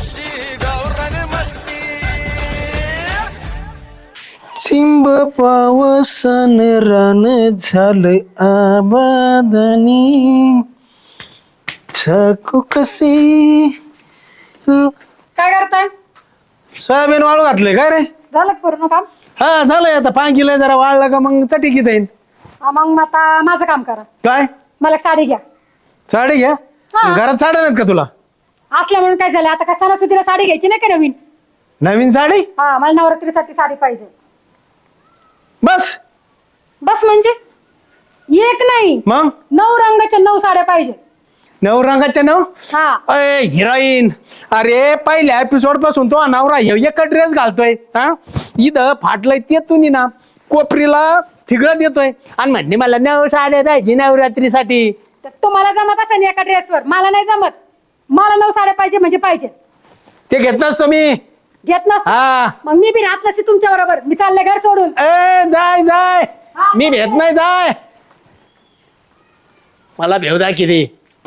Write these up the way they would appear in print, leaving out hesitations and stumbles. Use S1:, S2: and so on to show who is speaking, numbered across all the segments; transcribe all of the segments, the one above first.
S1: अशी गावरान मस्ती
S2: चिंब पावसान रान झालं आबादानी छाकू कशी
S3: काय करताय?
S2: सोयाबीन वाळू घातले काय रे?
S3: झालं का पूर्ण काम?
S2: हा झालंय आता पांकीला जरा वाळला का मग चटीकीत येईल.
S3: मग आता माझं काम करा.
S2: काय
S3: मला एक साडी घ्या.
S2: साडी घ्या
S3: हा.
S2: घरात साड्या नाहीत का तुला?
S3: असल्या म्हणून काय झालं, आता काय सणासुदीला साडी घ्यायची नाही का नवीन?
S2: नवीन साडी
S3: हा, मला नवरात्रीसाठी साडी पाहिजे.
S2: बस
S3: बस म्हणजे एक नाही,
S2: मग
S3: 9 रंगाच्या 9 साड्या पाहिजे.
S2: 9 रंगाच्या 9.
S3: हा.
S2: अय हिरोईन, अरे पहिल्या एपिसोड पासून तो नवरा एक ड्रेस घालतोय. हा इथं फाटलंय ते तुम्ही ना कोपरीला थिगळत येतोय आणि म्हणणे मला 9 साड्या पाहिजे नवरात्रीसाठी.
S3: तर तुम्हाला जमत असेल ना एका ड्रेसवर, मला नाही जमत. मला 9 साड्या पाहिजे म्हणजे पाहिजे.
S2: ते घेत नसतो मी.
S3: घेत नस
S2: हा
S3: मग मी बी राहत नसते तुमच्या बरोबर. मी चालले घर सोडून.
S2: ए जाय जाय मी भेट नाही जाय. मला भेव दा किती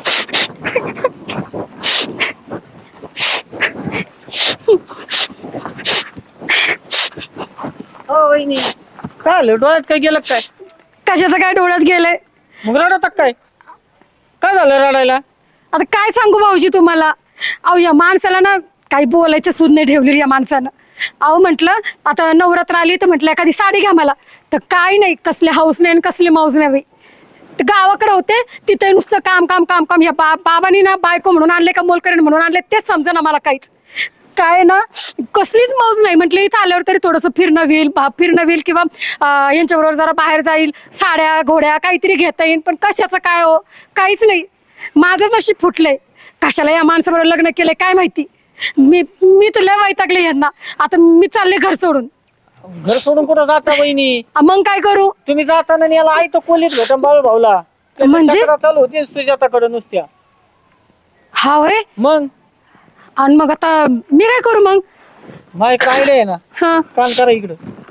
S4: काय आलं डोळ्यात काय गेलं काय?
S3: कशाचं काय डोळ्यात गेलंय?
S4: मग रडत काय? काय झालं रडायला?
S3: आता काय सांगू भाऊजी तुम्हाला. अहो या माणसाला ना काही बोलायचं सूद नाही ठेवलेली या माणसानं. अहो म्हटलं आता नवरात्र आली तर म्हटलं एखादी साडी घ्या मला. तर काय नाही, कसले हाऊस नाही आणि कसली मौज नाही. तर गावाकडे होते तिथे नुसतं काम काम काम काम. या बाबांनी ना बायको म्हणून आणले का मोलकरीण म्हणून आणले तेच समजा ना मला काहीच. काय ना कसलीच मौज नाही. म्हटलं इथं आल्यावर तरी थोडंसं फिरणं होईल किंवा यांच्याबरोबर जरा बाहेर जाईल, साड्या घोड्या काहीतरी घेता येईल. पण कशाचं काय हो, काहीच नाही. माझंच नशीब फुटलंय. कशाला या माणसाबरोबर लग्न केलंय काय माहिती. मी तर लय वैतागले यांना. आता मी चालले घर सोडून.
S4: घर सोडून कुठं जाता वहिनी?
S3: मग काय करू?
S4: तुम्ही जाताना याला आई तो कोलीत भेटन बाळू भाऊला.
S3: म्हणजे?
S4: चक्रा चालू होती सुजाताकडे नुसत्या.
S3: हा वय.
S4: मग
S3: आणि मग आता मी काय करू मग?
S4: माय काय आहे ना,
S3: हा
S4: काम करा इकडं.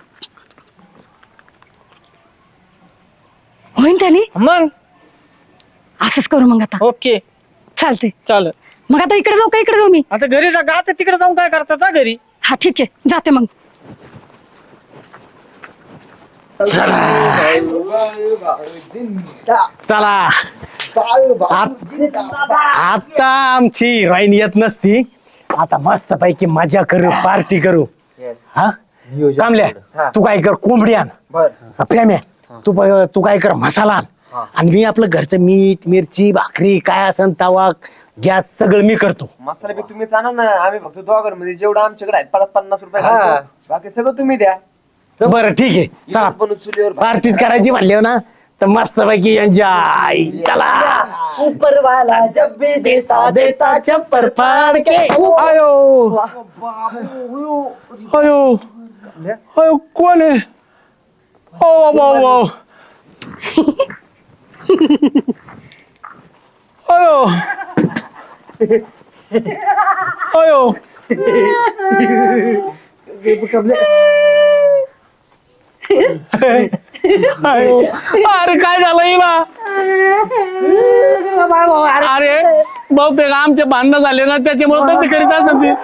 S3: होईन त्याने.
S4: मग
S3: असंच करू मग आता.
S4: ओके
S3: चालते.
S4: चाल.
S3: मग आता इकडे जाऊ का इकडे जाऊ मी?
S4: आता घरी जा. आता तिकडे जाऊन काय करता? जा घरी.
S3: हा ठीक आहे जाते मग.
S2: चला आता आमची हिरोईन येत नसती. आता मस्त पैकी मजा करू, पार्टी करू. हा कामल्या तू काय कर कोंबडी आण. प्रेम्या तू काय कर मसाला आण. आणि मी आपलं घरचं मीठ मिरची भाकरी काय असन तवा गॅस सगळं मी करतो.
S5: मसाला बी तुम्हीच आणा ना. आम्ही फक्त दोघांमध्ये जेवढं आमच्याकडे आहेत 50 रुपये घालतो. बाकी सगळं तुम्ही द्या.
S2: बरं ठीक आहे चला.
S5: बनवून चुलीवर
S2: पार्टीच करायची म्हणले ना तर मस्त पैकी एन्जॉय. चला
S5: ऊपर वाला जब भी देता देता
S2: चप्पर फाड़ के आयो आयो आयो कोण आहे? ओ बाबा आयो आयो आयो. अरे काय झालं हिला? अरे बहुतेक आमचे भांडणं झाले ना त्याच्यामुळे तसे करीत असत ती.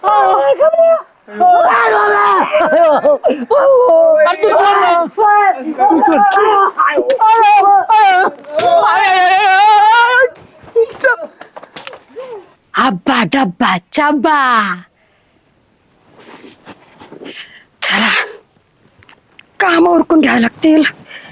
S3: अब्बा डब्बा चब्बा. चला काम उरकून घ्यावं लागतील.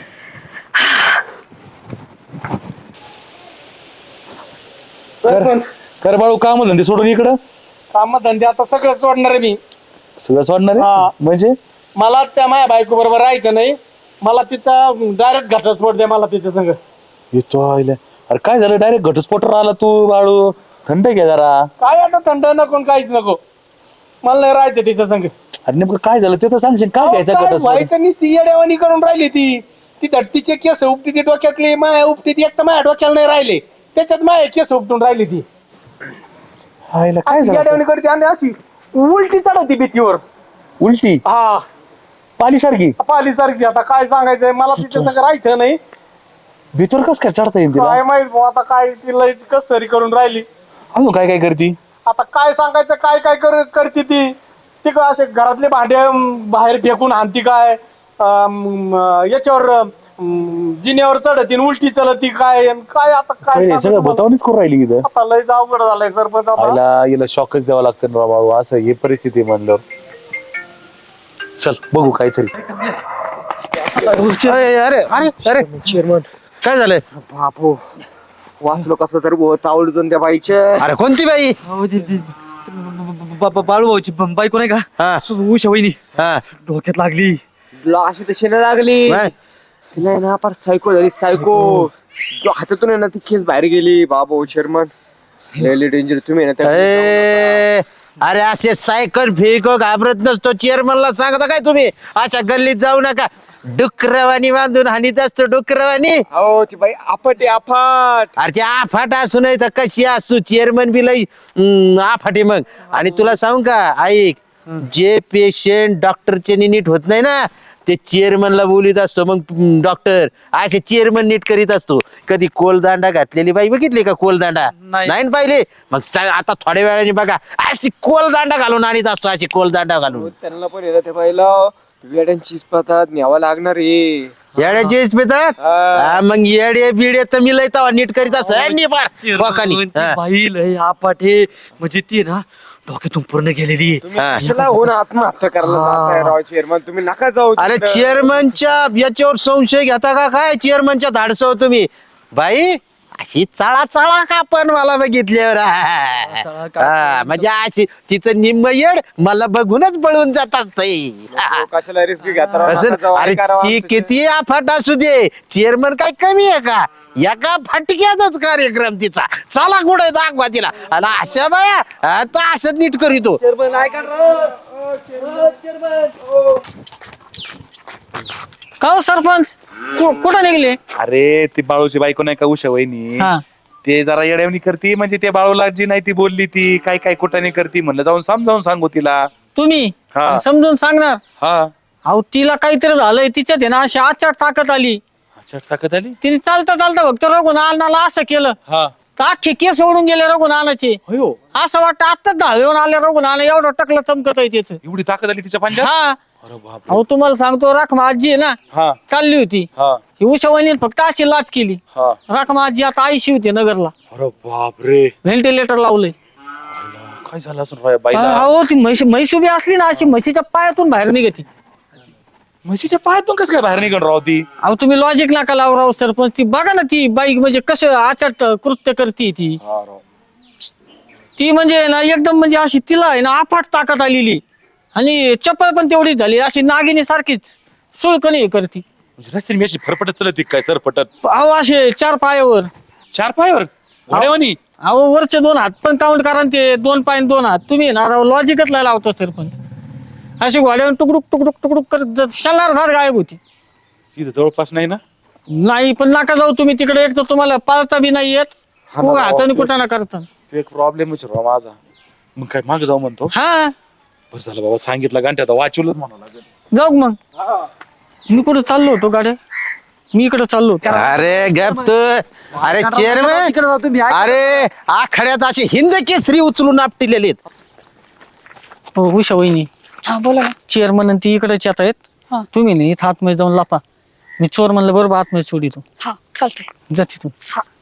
S6: कर बाळू काम धंदे सोडून इकडं.
S2: काम धंदे आता सगळं सोडणार आहे मी.
S6: सगळं सोडणार
S2: हा.
S6: आहे म्हणजे?
S2: मला त्या माझ्या बायको बरोबर राहायचं नाही. मला तिचा डायरेक्ट घटस्फोट द्या मला तिच्या संग.
S6: येतो आईला. अरे काय झालं डायरेक्ट घटस्फोटावर आला तू बाळू? थंड घे जरा.
S2: काय आता थंड नको काहीच नको. मला नाही राहायचं तिच्या संग.
S6: अरे नेमकं काय झालं ते तर सांगशील. काय घ्यायचं
S2: काय
S6: घटस्फोट?
S2: व्हायचं नुसती येड्यावानी करून राहिली ती धडतीचे केस उपटी ती डोक्यातली माया उपटी ती. एक तर माझ्या डोक्याला नाही राहिले त्याच्यात माझ्या केस उपटून राहिली ती.
S6: आईला काय
S2: अशी
S6: झालं
S2: येड्यावानी करते आणि अशी उलटी चढवती भीतीवर.
S6: उलटी
S2: हा
S6: पालीसारखी?
S2: पाली सारखी. आता काय सांगायचंय मला तिच्या संग राहायचं नाही.
S6: भीतर कस काय चढता येईल तिला?
S2: काय माहित भाऊ आता काय ती लयच कसरी करून राहिली.
S6: अजून काय काय करती?
S2: आता काय सांगायचं, काय काय करते ती का असे घरातले भांडे बाहेर फेकून आणती काय, याच्यावर जिन्यावर चढती उलटी चलती काय, काय आता काय
S6: हे
S2: सांगू
S6: सगळं
S2: तुम्हाला?
S6: बतावणीच करून राहिली इथं.
S2: आता लयच अवघड झालंय सरपंच आता.
S6: याला शॉकच द्यावा लागतं ना बाबा, असं हे परिस्थिती म्हणलं. चल बघू काहीतरी.
S5: अरे अरे अरे
S2: चेअरमन
S5: काय झालंय बापू, वाचलो कसं तर तावडून त्या बाईच्या. अरे कोणती बाई?
S4: बाळूभाऊची बायको नाही का,
S5: हा
S4: उषा वहिनी,
S5: हा
S4: डोक्यात लागली.
S5: अशी तशी लागली तिला आहे ना, फार सायको झाली सायको. हातातून आहे ना ती केस बाहेर गेली. बाबा चेअरमन लय डेंजर तुम्ही ना त्या. अरे असे सायकल फेको घाबरत नसतो, चेअरमनला सांगता काय तुम्ही? अशा गल्लीत जाऊ नका, डुकरवाणी बांधून हानीत असतो डुकरवाणी. हो ती बाई आफाट आफाट. अरे ती आफाट असू नाही तर कशी असू, चेअरमन बी लई आफाटे मग. आणि तुला सांगू का, ऐक, जे पेशंट डॉक्टरचे नीट होत नाही ना, ते चेअरमनला बोलीत असतो. मग डॉक्टर असे चेअरमन नीट करीत असतो. कधी कोलदांडा घातलेली बाई बघितली का? कोलदांडा नाही पाहिले? मग आता थोड्या वेळाने बघा, अशी कोलदांडा घालून आणीत असतो, अशी कोलदांडा घालून. त्यांना पण येणं त्या बाईला वेड्यांची इस्पातात न्यावं लागणार आहे. येड्याची इस्पितात मग येडे बिडे तर मी लय तवा नीट करीत असं
S4: बाई लय आपाटे, म्हणजे ती ना डोक्यातून पूर्ण गेलेली.
S5: आत्महत्या करायला चेअरमन, तुम्ही नका जाऊ. अरे चेअरमनच्या याच्यावर संशय घेता का काय? चेअरमनच्या धाडसव तुम्ही बाई अशी चाळा चाळा का पण मला बघितल्यावर म्हणजे अशी तिचं निम्म येड मला बघूनच बळून जात असतंय. कशाला रिस्क घेता? अरे ती किती आफाट असू दे, चेअरमन काय कमी आहे का? एका फाटक्यातच कार्यक्रम तिचा. चला कुठे दाखवा तिला. आणि अशा बाया आता असं नीट करीतो.
S4: का हो सरपंच, कुठं निघले?
S6: अरे ती बाळूची बायको नाही का, उषा वहिनी, ते जरा येड्यावणी करती. म्हणजे ते बाळूला जी नाही ती बोलली, ती काय काय कुठाने करती. म्हणलं जाऊन समजावून सांगू तिला.
S4: तुम्ही
S6: हा.
S4: समजून सांगणार?
S6: हा
S4: अहो तिला काहीतरी झालंय, तिच्यात आहे ना अशी आचार टाकत आली.
S6: ताकद आली.
S4: तिने चालता चालता फक्त रघुनाथाला असं केलं,
S6: हा
S4: तर अख्खे केस सोडून गेले रघुनाथाचे. असं वाटतं आत्ताच धावेऊन आले रघुनाथ, एवढं टकलं चमकत आहे त्याच.
S6: एवढी ताकद आली तिच्या पंजाब.
S4: हा
S6: अरे बाप.
S4: अहो तुम्हाला सांगतो, राखमा आजी आहे ना,
S6: हा
S4: चालली होती.
S6: हा
S4: ही उषा वहिनी फक्त अशी लाच केली.
S6: हा.
S4: राखमा आजी आता आईशी होती नगरला,
S6: अरे बाप रे,
S4: व्हेंटिलेटर लावलंय.
S6: काय झालं असं बाईला?
S4: अहो ती म्हैस उभी असली ना, अशी म्हशीच्या पायातून बाहेर निघती.
S6: म्हशीच्या पायातून कसं काय बाहेर निघून राहू ती?
S4: अहो तुम्ही लॉजिक नका लावू राव सरपंच. ती बघा ना, ती बाईक म्हणजे कसं आचाट कृत्य करते ती. ती म्हणजे ना एकदम म्हणजे अशी तिला आहे ना अफाट ताकद आलेली. आणि चप्पल पण तेवढीच झाली, अशी नागिनी सारखीच सुळकणी करती.
S6: रस्त्याने मी अशी फरफटत चलत काय सरपटत?
S4: अहो असे 4 पायावर.
S6: 4 पायावर घोड्यावानी?
S4: अहो वरचे 2 हात पण काउंट करा, ते 2 पाय 2 हात. तुम्ही ना राव लॉजिकच लावता सरपंच. अशी घोड्यावर टुकडुक टुकडुक टुकडुक करत शलारधार गायब होती.
S6: तिथं जवळपास नाही ना?
S4: नाही पण नका जाऊ तुम्ही तिकडे, एक तर तुम्हाला पाळता बी नाही येत, हाताने कुठं ना करता.
S6: तो एक प्रॉब्लेमच राव माझा. मग काय माग जाऊ म्हणतो?
S4: हा
S6: बरं झालं बाबा, सांगितलं घंटे आता वाचवलंच म्हणावं लागेल.
S4: जाऊ मग. मी कुठं चाललो होतो गाड्या, मी इकडे चाललो.
S5: अरे गप तू. अरे चेअरमन, अरे आखाड्यात असे हिंद केसरी उचलून आपटिलेले आहेत.
S4: हो उषा वहिनी,
S3: हा बोला ना.
S4: चेअरमन ती इकडेच येत आहेत.
S3: हा.
S4: तुम्ही नाही इथं आतमध्ये जाऊन लापा. मी चोर म्हणलं बरोबर आतमध्ये सोडितो.
S3: हा चालतंय.
S4: जा तिथून.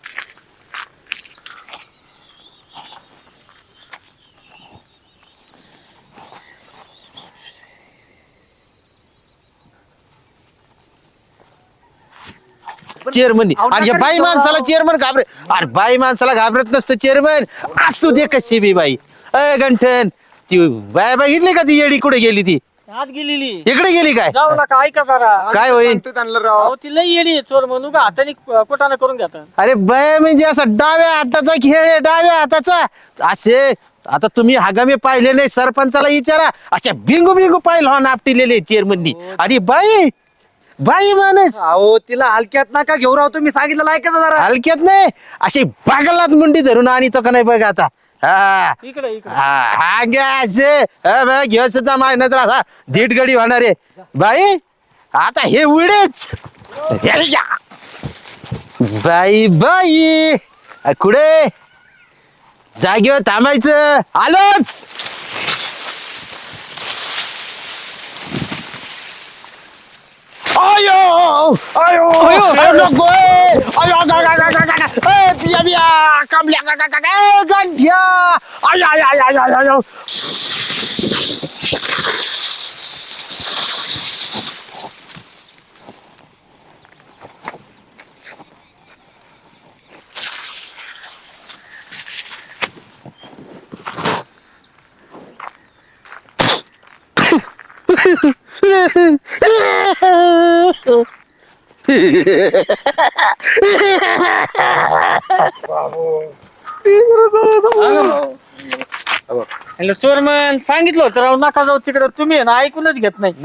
S5: चेअरमन आणि या बाई माणसाला चेअरमन घाबरे. अरे बाई माणसाला घाबरत नसतं चेअरमन, असू दे कशी बी बाई. अय गंठन, ती बाय बघितली का? ती येडी कुठे गेली? ती
S4: आत गेलेली.
S5: इकडे गेली काय?
S4: जाऊ नका, ऐका जरा.
S5: काय होईल?
S4: अहो ती लई येडी आहे चोर म्हणून का हाताने कोटाना करून घेतात.
S5: अरे बाय म्हणजे असा डाव्या हाताचा खेळ आहे, डाव्या हाताचा. असे आता तुम्ही हगामे पाहिले नाही, सरपंचाला विचारा. अशा बिंगू बिंगू पाहिलं हो नापटिलेले चेअरमननी. आणि बाई बाई माणूस.
S7: अहो तिला हलक्यात नका घेऊ राव, तुम्ही सांगितलं ऐकायचं जरा.
S5: हलक्यात नाही, अशी बागलात मुंडी धरून आणि तो का नाही बघ आता. हा
S4: इकडे इकडे.
S5: हा घ्या असे घेऊ सुद्धा माय नंतर असा धीट गडी होणार आहे बाई. आता हे उडेच बाई बाई कुठे
S2: जागेवर थांबायचं आलोच. अयो अयो अयो नको अयो पिया पिया कामल्या गंठ्या आय आय आय आय आय आय.
S4: चोरमन सांगितलं होतं राव नका जाऊ तिकडे, तुम्ही आहे ना ऐकूनच घेत नाही.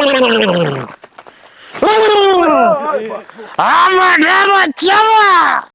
S2: आम्हाला